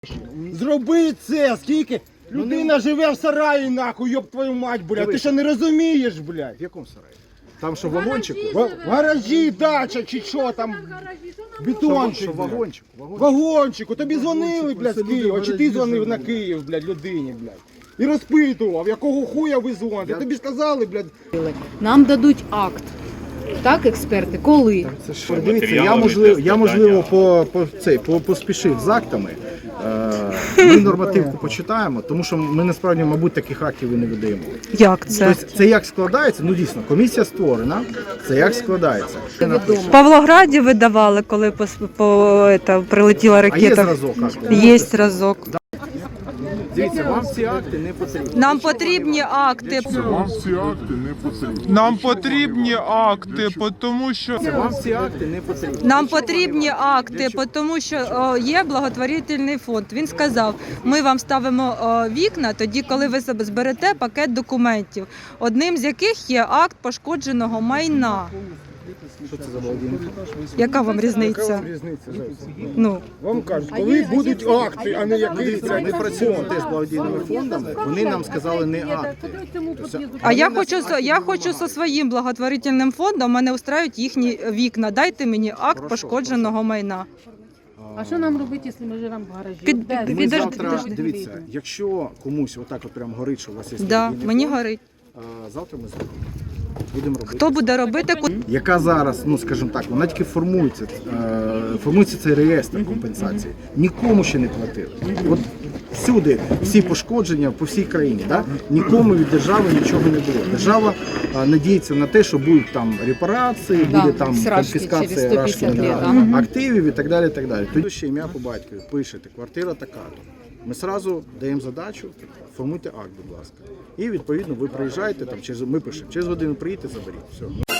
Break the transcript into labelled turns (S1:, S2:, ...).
S1: Зроби це, скільки людина живе в сараї, нахуй, йоб твою мать, блядь. Ти що не розумієш, блядь?
S2: В якому сараї? Там що, в вагончику?
S1: В гаражі, дача, чи що там, бетончик,
S2: Що, в
S1: блядь.
S2: вагончику?
S1: Вагончику, тобі дзвонили, блядь, з Києва, чи ти дзвонив на Київ, блядь, людині, блядь. І розпитував, якого хуя ви дзвоните. Тобі сказали, блядь.
S3: Нам дадуть акт. Так, експерти, коли?
S2: Це ж, дивіться, я можливо поспішив з актами. Ми нормативку почитаємо, тому що ми насправді, мабуть, таких актів і не видаємо.
S4: Як це?
S2: Тобто це як складається, ну дійсно, комісія створена, це як складається.
S4: В Павлограді видавали, коли прилетіла
S2: А є
S4: ракета.
S2: зразок акту?
S4: Є зразок.
S2: Дивіться, вам ці акти не потрібні.
S4: Нам потрібні акти.
S5: Вам ці акти не потрібні.
S6: Нам потрібні акти, тому що
S2: Вам ці акти не потрібні.
S4: Нам потрібні акти, тому що є благотворительний фонд. Він сказав, ми вам ставимо вікна тоді, коли ви зберете пакет документів, одним з яких є акт пошкодженого майна.
S2: Що це за благодійний фонд?
S4: Яка вам
S1: Яка
S4: різниця?
S1: вам різниця, Зайця?
S4: Ну,
S1: Вам кажуть, коли будуть акти, а не якийсь
S2: Дивіться, ми працюємо теж з благодійними фондами, вони нам сказали не акти.
S4: а я хочу зі своїм благотворительним фондом, мене устраюють їхні вікна. Дайте мені акт пошкодженого майна.
S3: А що нам робити, якщо ми живемо в гаражі?
S2: Ми
S4: Підожди,
S2: завтра,
S4: підожди.
S2: дивіться, якщо комусь отак от прям горить, що у вас є
S4: Да,
S2: благодійний
S4: мені
S2: фонд,
S4: горить.
S2: завтра ми зробимо. Будемо робити.
S4: Хто буде робити?
S2: Яка зараз, ну скажімо так, вона тільки формується цей реєстр компенсації. Нікому ще не платили. От всюди, всі пошкодження по всій країні, да? Нікому від держави нічого не було. Держава надіється на те, що будуть там репарації, буде там конфіскація активів і так далі. І так далі. Тоді ще ім'я по батькові, пишете, квартира така-то. Ми одразу даємо задачу, формуйте акт, будь ласка. І відповідно ви приїжджаєте, там, ми пишемо, через годину приїдете, заберіть. Все.